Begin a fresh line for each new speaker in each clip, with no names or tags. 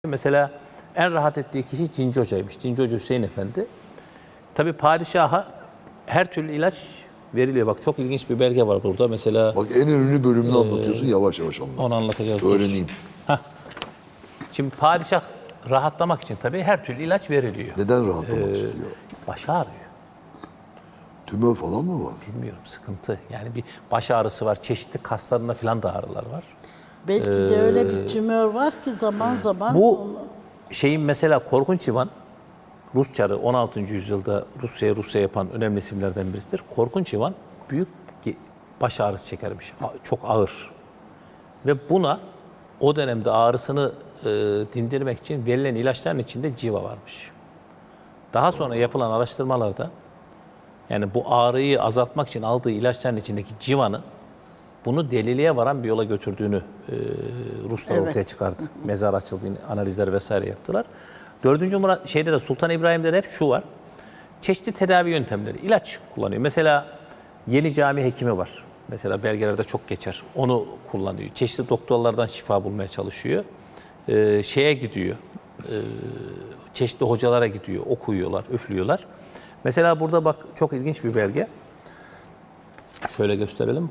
Mesela en rahat ettiği kişi Cinci Hoca'ymış. Cinci Hoca Hüseyin Efendi. Tabii padişaha her türlü ilaç veriliyor. Bak çok ilginç bir belge var burada. Mesela
Bak en önemli bölümünü anlatıyorsun. Yavaş yavaş anlat.
onu anlatacağız.
Öğreneyim.
Şimdi padişah rahatlamak için tabii her türlü ilaç veriliyor.
Neden rahatlamak istiyor?
Baş ağrıyor.
Tümör falan mı var?
Bilmiyorum, sıkıntı. Yani bir baş ağrısı var. Çeşitli kaslarında falan da ağrılar var.
Belki de öyle bir tümör var ki zaman zaman
Bu şeyin mesela Korkunç İvan, Rus çarı 16. yüzyılda Rusya yapan önemli isimlerden birisidir. Korkunç İvan büyük baş ağrısı çekermiş. Çok ağır. Ve buna o dönemde ağrısını dindirmek için verilen ilaçların içinde civa varmış. Daha sonra yapılan araştırmalarda yani bu ağrıyı azaltmak için aldığı ilaçların içindeki civanın bunu deliliğe varan bir yola götürdüğünü Ruslar ortaya çıkardı. Mezar açıldığını, analizler vesaire yaptılar. 4. Murat şeyde de Sultan İbrahim'de de hep şu var. Çeşitli tedavi yöntemleri, ilaç kullanıyor. Mesela Yeni Cami hekimi var. Mesela belgelerde çok geçer. Onu kullanıyor. Çeşitli doktorlardan şifa bulmaya çalışıyor. Şeye gidiyor. Çeşitli hocalara gidiyor. Okuyorlar, üflüyorlar. Mesela burada bak çok ilginç bir belge. Şöyle gösterelim.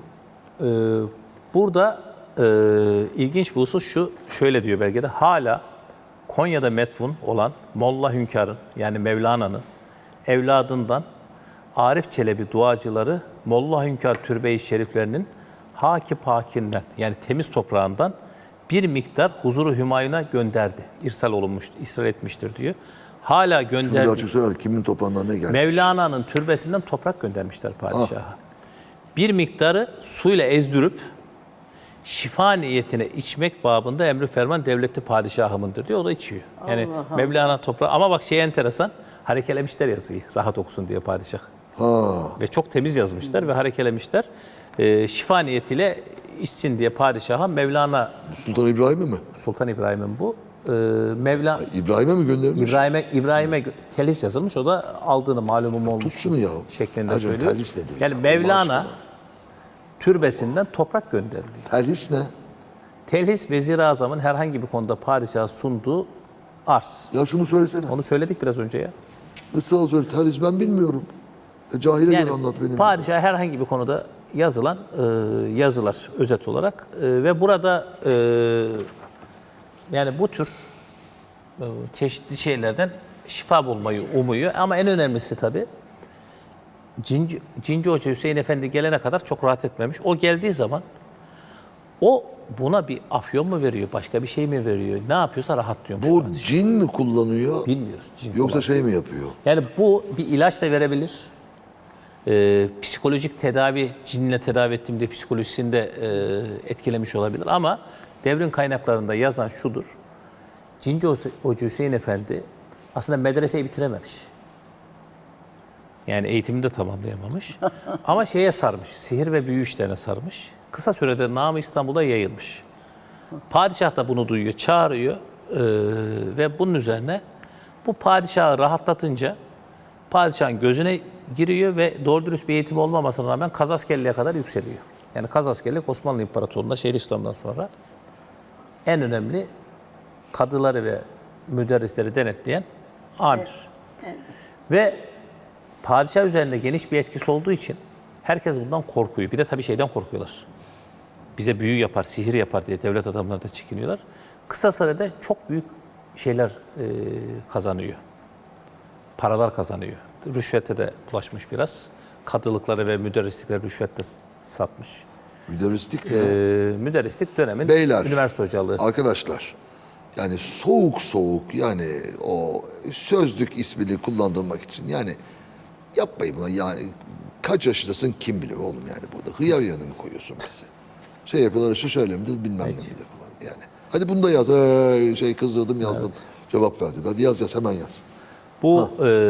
Burada ilginç bir husus şu, şöyle diyor belgede, hala Konya'da metfun olan Molla Hünkar'ın yani Mevlana'nın evladından Arif Çelebi duacıları Molla Hünkar türbe-i şeriflerinin haki pakinden yani temiz toprağından bir miktar huzuru Hümayun'a gönderdi. İrsal etmiştir diyor. Hala
Şunu bir
gönderdi.
açık söyler. Kimin toprağından ne geldi?
Mevlana'nın türbesinden toprak göndermişler padişaha. Bir miktarı suyla ezdirip şifa niyetine içmek babında emri ferman devletli padişahımındır diyor. O da içiyor. Yani
Allah
Mevlana toprağı. Ama bak şey enteresan. Harekelemişler yazıyı. Rahat okusun diye padişah. Ve çok temiz yazmışlar ve harekelemişler. Şifa niyetiyle içsin diye padişaha Mevlana,
Sultan İbrahim'e mi?
Sultan İbrahim'in bu. Mevlana
İbrahim'e mi göndermiş?
İbrahim'e telhis yazılmış. O da aldığını malumum olmuş.
Tut şunu ya.
Şeklinde
Hacım,
söylüyor.
terhis nedir
Yani
ya?
Mevlana
Allah aşkına.
türbesinden toprak gönderiliyor.
Terhis ne?
Telhis Vezir-i Azam'ın herhangi bir konuda padişaha sunduğu arz.
Ya şunu söylesene.
Onu söyledik biraz önce ya.
Nasıl söyle? Terhis ben bilmiyorum. Cahile
Yani
göre anlat benim.
padişaha herhangi bir konuda yazılan yazılar özet olarak ve burada yani bu tür çeşitli şeylerden şifa bulmayı umuyor. Ama en önemlisi tabii Cinci Hoca Hüseyin Efendi gelene kadar çok rahat etmemiş. O geldiği zaman o buna bir afyon mu veriyor, başka bir şey mi veriyor, ne yapıyorsa rahatlıyormuş.
Bu
padişah.
cin mi kullanıyor?
Bilmiyoruz. Cin
Yoksa
kullanıyor.
şey mi yapıyor?
Yani bu bir ilaç da verebilir. Psikolojik tedavi, cinle tedavi ettiğimde psikolojisini de etkilemiş olabilir. Ama devrin kaynaklarında yazan şudur. Cinci Hoca Hüseyin Efendi aslında medreseyi bitirememiş. Yani eğitimini de tamamlayamamış. Ama şeye sarmış, sihir ve büyü işlerine sarmış. Kısa sürede namı İstanbul'da yayılmış. Padişah da bunu duyuyor, çağırıyor ve bunun üzerine bu padişahı rahatlatınca padişahın gözüne giriyor ve doğru dürüst bir eğitim olmamasına rağmen Kazaskerli'ye kadar yükseliyor. Yani Kazaskerlik Osmanlı İmparatorluğu'nda Şeyhülislam'dan sonra en önemli kadıları ve müderrisleri denetleyen amir. Ve padişah üzerinde geniş bir etkisi olduğu için herkes bundan korkuyor. Bir de tabii şeyden korkuyorlar. Bize büyü yapar, sihir yapar diye devlet adamları da çekiniyorlar. Kısa sürede çok büyük şeyler kazanıyor. Paralar kazanıyor. Rüşvete de bulaşmış biraz. Kadılıkları ve müderrislikleri rüşvetle satmış.
Müderrislik ne?
Müderrislik dönemin
Beyler,
üniversite hocalığı.
arkadaşlar, yani soğuk yani o sözlük ismini kullandırmak için yani yapmayın bunu yani kaç yaşındasın kim bilir oğlum yani burada hıyar yanı mı koyuyorsun bize? Şey yapıyorlar işte şöyle midir bilmem ne midir falan yani. Hadi bunu da yaz. Şey kızdırdım yazdım. Cevap verdi. Hadi yaz hemen yaz.
Bu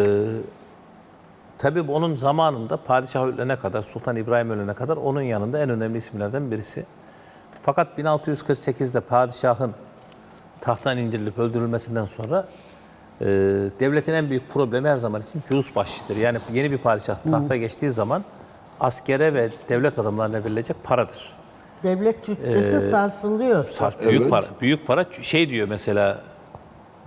tabii onun zamanında padişah ölene kadar, Sultan İbrahim ölene kadar onun yanında en önemli isimlerden birisi. Fakat 1648'de padişahın tahttan indirilip öldürülmesinden sonra devletin en büyük problemi her zaman için cülus bahşiştir. Yani yeni bir padişah tahta geçtiği zaman askere ve devlet adamlarına verilecek paradır.
devlet bütçesi sarsılıyor.
Büyük
Evet.
para. Büyük para şey diyor mesela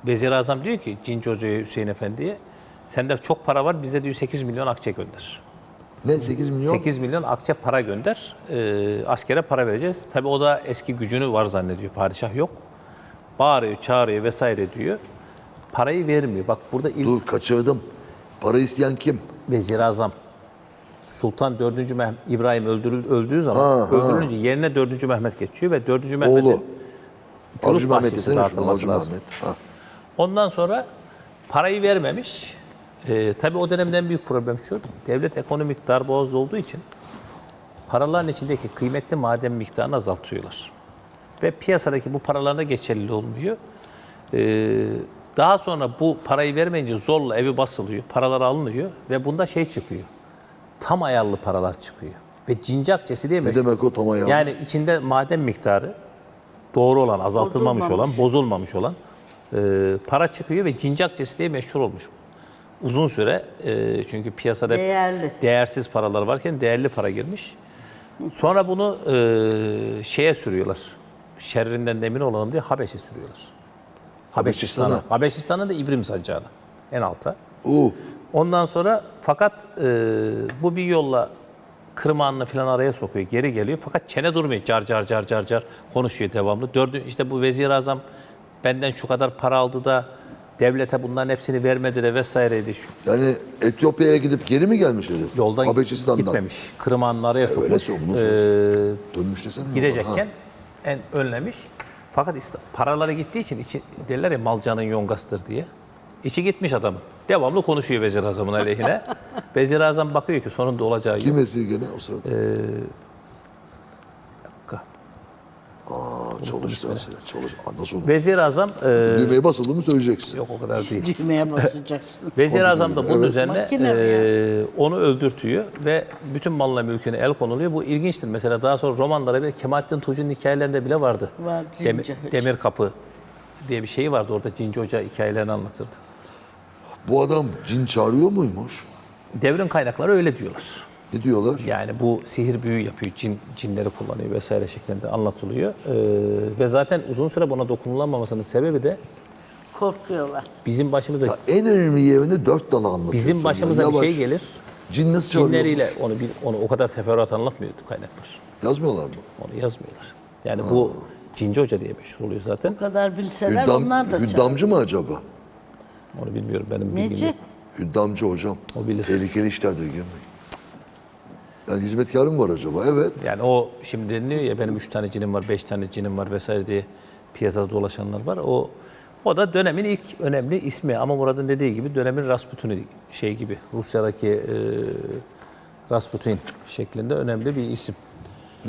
Vezir-i Azam diyor ki Cinci Hoca'ya, Hüseyin Efendi'ye, sende çok para var, bize diyor 8 milyon akçe gönder.
Ne 8 milyon?
8 milyon akçe para gönder, askere para vereceğiz. Tabii o da eski gücünü var zannediyor, padişah yok. Bağırıyor, çağırıyor vesaire diyor. Parayı vermiyor. Bak burada ilk
Dur kaçırdım. Para isteyen kim?
Vezir-i Azam. Sultan 4. İbrahim öldüğü zaman öldürülünce yerine 4. Mehmet geçiyor ve 4. Mehmet'in
Oğlu.
Turus
Avcı Mehmet
bahçesi
desene şunu,
dağıtılması
Avcı
lazım.
Mehmet. Ha.
Ondan sonra parayı vermemiş. Tabii o dönemden büyük problem şu, devlet ekonomik darboğazda olduğu için paraların içindeki kıymetli maden miktarını azaltıyorlar. Ve piyasadaki bu paralarda geçerli olmuyor. Daha sonra bu parayı vermeyince zorla evi basılıyor, paralar alınıyor ve bunda şey çıkıyor. Tam ayarlı paralar çıkıyor. Ve cinci akçesi diye
Ne
meşhur.
demek o tam ayarlı?
Yani içinde maden miktarı doğru olan, azaltılmamış olan, bozulmamış olan para çıkıyor ve cinci akçesi diye meşhur olmuş. Uzun süre çünkü piyasada
Değerli.
değersiz paralar varken değerli para girmiş. Sonra bunu şeye sürüyorlar. Şerrinden de emin olalım diye Habeş'e sürüyorlar.
Habeşistan'a.
Habeşistan'ın da İbrim sancağına en alta. Ondan sonra fakat bu bir yolla Kırmanlı falan araya sokuyor, geri geliyor. Fakat çene durmuyor, car car car car car konuşuyor devamlı. İşte bu Vezir-i Azam benden şu kadar para aldı da devlete bunların hepsini vermedi de vesaireydi.
Yani Etiyopya'ya gidip geri mi gelmiş herif?
Yoldan
Habeşistan'dan.
gitmemiş. Kırmanlı araya sokmuş.
Öyle sormuş. Dönmüş desene.
Gidecekken önlemiş. Fakat paraları gittiği için derler ya malcanın yongasıdır diye. İçi gitmiş adamın. Devamlı konuşuyor Vezir-i Azam'ın aleyhine. Vezir-i Azam bakıyor ki sonunda olacağı
Kim
yok.
esir gene o sırada? Çalıştı mesela. Nasıl olur?
Vezir-i Azam
Düğmeye basıldı mı söyleyeceksin.
yok o kadar değil.
Düğmeye basacaksın.
Vezir-i Azam da bunun
Evet.
üzerine
Makine mi ya?
onu öldürtüyor ve bütün malına mülküne el konuluyor. Bu ilginçtir. Mesela daha sonra romanlara bile Kemalettin Tuğcu'nun hikayelerinde bile vardı.
Var, Cinci Hoca.
Demir Kapı diye bir şey vardı. Orada Cinci Hoca hikayelerini anlatırdı.
Bu adam cin çağırıyor muymuş?
Devrin kaynakları öyle diyorlar.
Ne diyorlar?
Yani bu sihir büyü yapıyor, cinleri kullanıyor vesaire şeklinde anlatılıyor. Ve zaten uzun süre buna dokunulamamasının sebebi de
Korkuyorlar.
bizim başımıza
Ya en önemli yerini 4 dala anlatıyorsun.
bizim başımıza
ya.
bir şey
Yavaş.
gelir.
Cin nasıl çağırıyor?
Cinleriyle onu o kadar teferruat anlatmıyordu kaynaklar.
Yazmıyorlar mı?
Onu yazmıyorlar. Yani bu Cinci Hoca diye meşhur oluyor zaten.
Bu kadar bilseler onlar da
Hüddamcı mı acaba?
Onu bilmiyorum, benim bilgim
Neci?
yok.
Hüddamcı hocam.
O bilir.
Tehlikeli işlerdir girmeyin. Yani hizmetkarım var acaba? Evet.
Yani o şimdi deniliyor ya benim 3 tane cinim var, 5 tane cinim var vesaire diye piyasada dolaşanlar var. O da dönemin ilk önemli ismi ama Murat'ın dediği gibi dönemin Rasputin'i şey gibi Rusya'daki Rasputin şeklinde önemli bir isim.